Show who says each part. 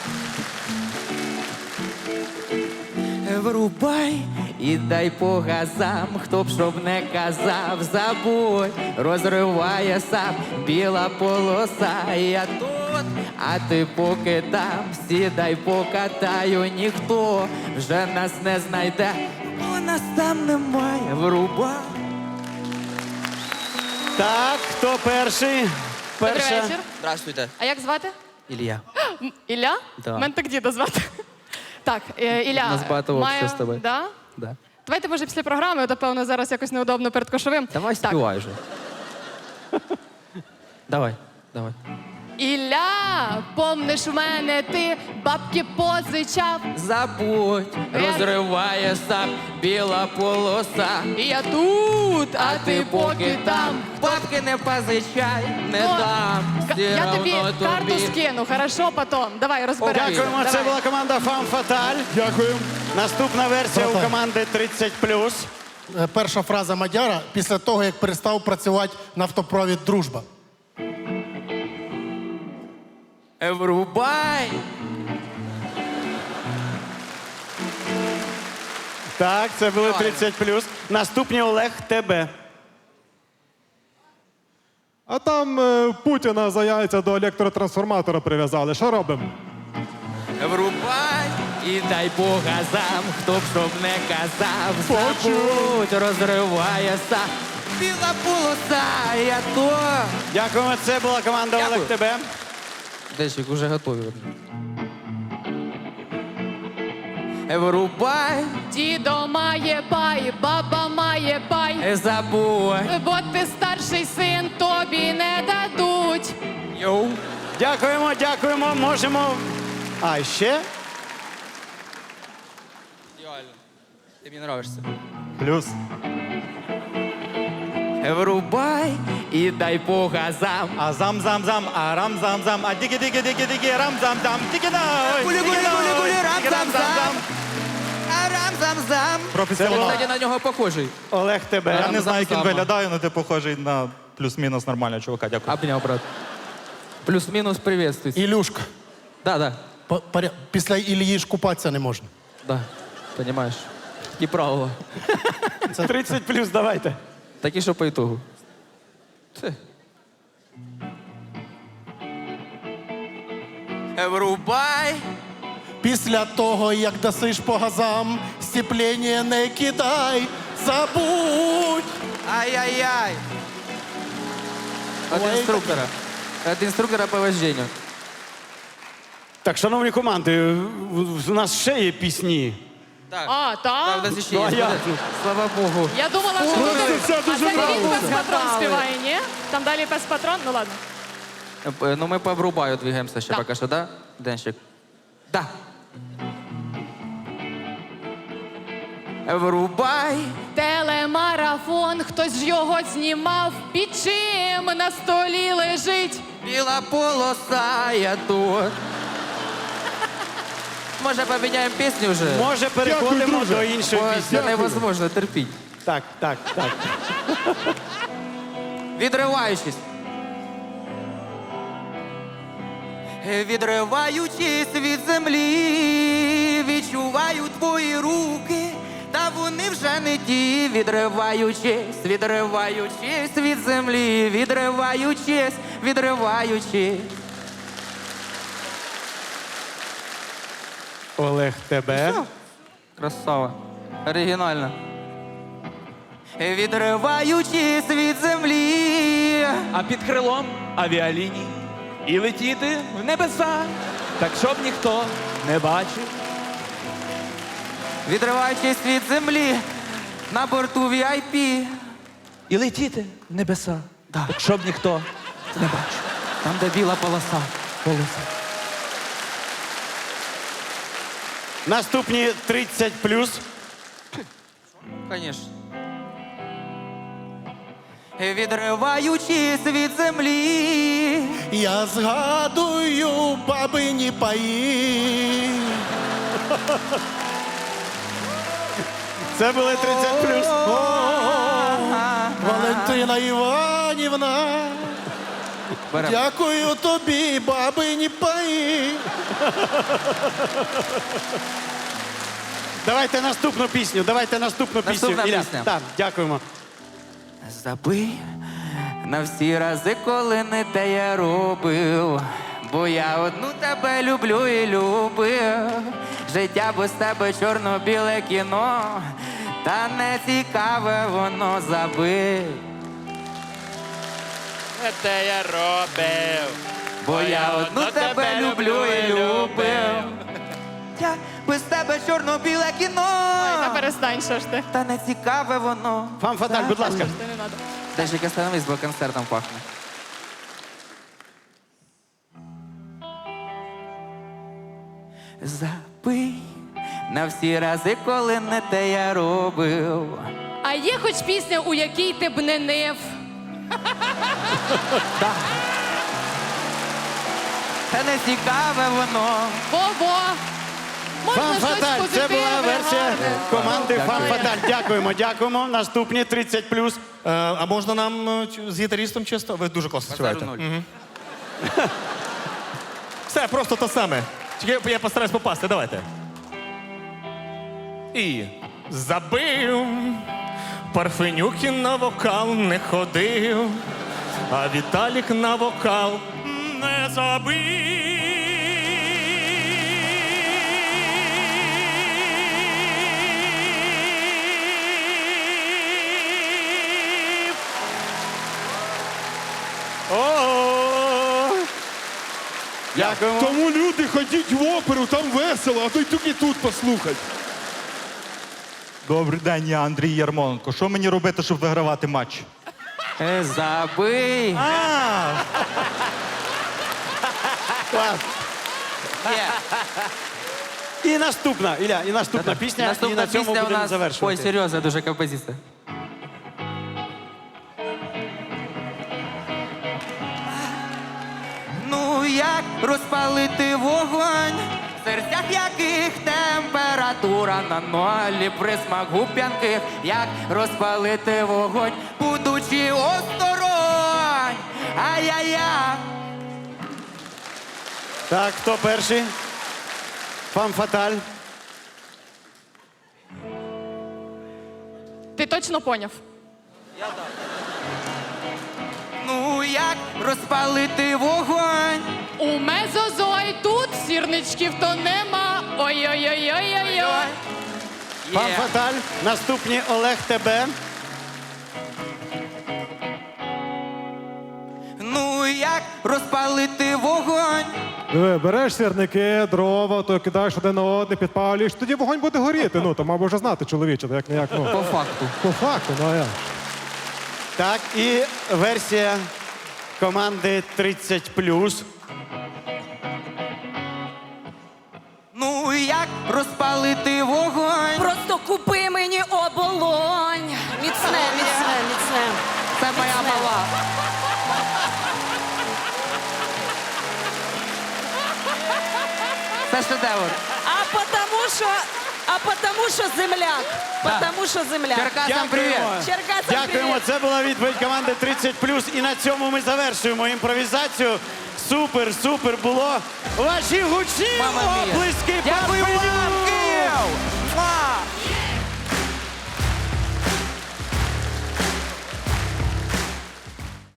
Speaker 1: Врубай і дай по газам, хто б щоб не казав, забудь, розриває сам біла полоса. Я тут, а ти поки там, сідай, покатаю, ніхто вже нас не знайде, бо нас там немає. Врубай.
Speaker 2: Так, хто перший?
Speaker 3: Добрий вечір.
Speaker 1: Здравствуйте.
Speaker 3: А як звати?
Speaker 1: Ілля.
Speaker 3: Ілля?
Speaker 1: Да.
Speaker 3: Мене так діда звати. Так, Ілля.
Speaker 1: Нас багато общого з тобою.
Speaker 3: Да?
Speaker 1: Да.
Speaker 3: Давайте, може, після програми, то, певно, зараз якось неудобно перед кошовим.
Speaker 1: Давай
Speaker 3: Так.
Speaker 1: співай вже. Давай.
Speaker 3: Ілля, помниш в мене ти бабки позичав.
Speaker 1: Забудь, розриває сам біла полоса.
Speaker 3: І я тут, а ти поки там.
Speaker 1: Бабки не позичай, не
Speaker 3: Ну,
Speaker 1: дам. Все
Speaker 3: я тобі
Speaker 1: равно
Speaker 3: карту скину, хорошо, потім. Давай, розберемося.
Speaker 2: Дякуємо, це
Speaker 3: Давай.
Speaker 2: була команда Фам Фаталь.
Speaker 4: Дякую.
Speaker 2: Наступна версія у
Speaker 4: Братан.
Speaker 2: команди 30+.
Speaker 4: Перша фраза Мадяра після того, як перестав працювати нафтопровід «Дружба».
Speaker 1: Врубай.
Speaker 2: Так, це були 30+. Наступні Олег тебе.
Speaker 5: А там Путіна за яйця до електротрансформатора прив'язали. Що робимо?
Speaker 1: Врубай і дай по газам, хто б щоб не казав. Забудь, розриває сам біла полоса. Я то.
Speaker 2: Дякуємо, це була команда
Speaker 1: Дякую.
Speaker 2: Олег тебе.
Speaker 1: Дещик, уже готові. Врубай,
Speaker 3: Дідо має пай, баба має пай.
Speaker 1: забудь.
Speaker 3: Бо ти старший син, тобі не дадуть.
Speaker 1: Йоу.
Speaker 2: Дякуємо, можемо. А ще?
Speaker 1: Ідеально. Ти мені нравишся.
Speaker 5: Плюс.
Speaker 1: Врубай і дай по газам.
Speaker 2: А зам-зам-зам, а рам-зам-зам, а диги-диги-диги-диги, рам-зам-зам, диги-дай!
Speaker 1: Гулі-гулі-гулі-гулі, рам-зам-зам. Арам-зам-зам.
Speaker 5: Професіонал.
Speaker 1: Кстати, на нього похожий.
Speaker 2: Олег тебе.
Speaker 6: Я не знаю, як він
Speaker 1: Рам-зам-зам.
Speaker 6: виглядає, але ти похожий на плюс-мінус нормального чувака. Дякую.
Speaker 1: Обняв, брат. Плюс-мінус приветствуй.
Speaker 4: Ілюшка,
Speaker 1: Да.
Speaker 4: після Ілії ж купатися не можна.
Speaker 1: Да. Понимаешь. І правила.
Speaker 2: 30+, давайте.
Speaker 1: Такі, що по ітогу. Це. Врубай.
Speaker 4: Після того, як дасиш по газам, сцеплення не кидай, забудь.
Speaker 1: Ай-яй-яй. От
Speaker 4: Ой,
Speaker 1: інструктора. От інструктора по вожденню.
Speaker 2: Так, шановні команди, у нас ще є пісні.
Speaker 1: Так.
Speaker 3: А,
Speaker 1: Так, у
Speaker 3: так?
Speaker 1: нас ще
Speaker 2: Ну, а
Speaker 1: є.
Speaker 2: як?
Speaker 1: Слава Богу.
Speaker 3: Я думала, що буде... А це не він пес патрон
Speaker 1: Згадали.
Speaker 3: співає, ні? Там далі пес патрон? Ну ладно.
Speaker 1: Ну, ми по врубаю двигаємося ще
Speaker 3: Да.
Speaker 1: поки що, да? Денщик? Да. Врубай.
Speaker 3: Телемарафон, хтось ж його знімав, під чим на столі лежить.
Speaker 1: Біла полоса, я тут. Може, поміняємо пісню вже?
Speaker 2: Може, переходимо
Speaker 4: друже.
Speaker 2: до іншої
Speaker 1: Бо
Speaker 2: пісні.
Speaker 1: це невозможно терпіть.
Speaker 2: Так.
Speaker 1: Відриваючись. Відриваючись від землі, відчуваю твої руки, та вони вже не ті. Відриваючись від землі, відриваючись.
Speaker 2: Олег тебе.
Speaker 1: Красава. Оригінально. Відриваючись від землі.
Speaker 7: А під крилом авіаліній і летіти в небеса, так щоб ніхто не бачив.
Speaker 1: Відриваючись від землі на борту VIP.
Speaker 7: І летіти в небеса, так щоб ніхто не бачив.
Speaker 1: Там, де біла полоса.
Speaker 2: Наступні 30+.
Speaker 1: Конечно. Відриваючись від землі.
Speaker 4: Я згадую бабині паї.
Speaker 2: Це були 30+.
Speaker 4: Валентина Іванівна.
Speaker 1: Беремо.
Speaker 4: Дякую тобі, бабині паї.
Speaker 2: Давайте наступну пісню.
Speaker 1: Наступна
Speaker 2: Ілля.
Speaker 1: пісня.
Speaker 2: Так, дякуємо.
Speaker 1: Забий на всі рази, коли не те я робив. Бо я одну тебе люблю і любив. Життя без тебе чорно-біле кіно, та не цікаве воно, забий.
Speaker 7: Те я робив.
Speaker 1: Бо я одну тебе люблю і любив. Я без тебе чорно-біле кіно,
Speaker 3: Та перестань, що ж ти.
Speaker 1: та не цікаве воно.
Speaker 2: Фам Фаталь, будь ласка.
Speaker 3: Ти не надо.
Speaker 1: Даже як остановись, бо концертом пахне. Забий на всі рази, коли не те я робив.
Speaker 3: А є хоч пісня, у якій ти б не нив?
Speaker 1: Та не цікаве воно.
Speaker 3: Во-во! Можна
Speaker 2: Фам
Speaker 3: щось
Speaker 2: Фаталь, це
Speaker 3: позитивне,
Speaker 2: була версія
Speaker 3: гарне.
Speaker 2: команди Фам
Speaker 1: Дякую.
Speaker 2: Фаталь. Дякуємо. Наступні 30+.
Speaker 4: А можна нам з гітаристом чисто? Ви дуже класно співаєте.
Speaker 8: Все, просто те саме. Тільки я постараюсь попасти, давайте. І забив, Парфенюкін на вокал не ходив, а Віталік на вокал не забив. О!
Speaker 2: Дякуємо.
Speaker 5: Тому люди ходіть в оперу, там весело, а то й тільки тут послухать.
Speaker 6: Добрий день, я Андрій Ярмоленко. Що мені робити, щоб вигравати матч?
Speaker 1: Забий.
Speaker 2: Клас. І наступна, Ілля, і наступна пісня, і
Speaker 1: Наступна
Speaker 2: на цьому
Speaker 1: пісня у
Speaker 2: будемо
Speaker 1: нас.
Speaker 2: завершувати.
Speaker 1: Ой, серйозна дуже композиція. Ну як розпалити вогонь, в серцях яких температура на нолі, присмак губ п'янких, як розпалити вогонь, будучи осторонь. Ай-яй-яй.
Speaker 2: Так, хто перший? Фам Фаталь.
Speaker 3: Ти точно поняв?
Speaker 1: Ну як розпалити вогонь?
Speaker 3: У мезозой тут сірничків то нема. Ой-ой-ой-ой-ой-ой.
Speaker 2: Фам
Speaker 1: Є.
Speaker 2: Фаталь. Наступні Олег Тебе.
Speaker 1: Ну як розпалити вогонь?
Speaker 5: Диви, береш сірники, дрова, то кидаєш один на одне, підпалюєш, тоді вогонь буде горіти. Ну, то мав би вже знати чоловіче, то як не як. Ну.
Speaker 1: По факту.
Speaker 5: По факту, ну а як?
Speaker 2: Так, і версія команди 30+.
Speaker 1: Ну як розпалити вогонь?
Speaker 9: Просто купи мені оболонь. Міцне, міцне, міцне.
Speaker 1: Це моя мала. Це шедевр.
Speaker 9: А потому що земляк. Потому що земляк.
Speaker 1: Черкасам привіт.
Speaker 9: Черкасам
Speaker 2: Дякуємо.
Speaker 9: привіт.
Speaker 2: Це була відповідь команди 30+. І на цьому ми завершуємо імпровізацію. Супер було. Ваші гучні
Speaker 1: Мама мія.
Speaker 2: оплески.
Speaker 1: Дякую
Speaker 2: Парфенюк!
Speaker 1: вам.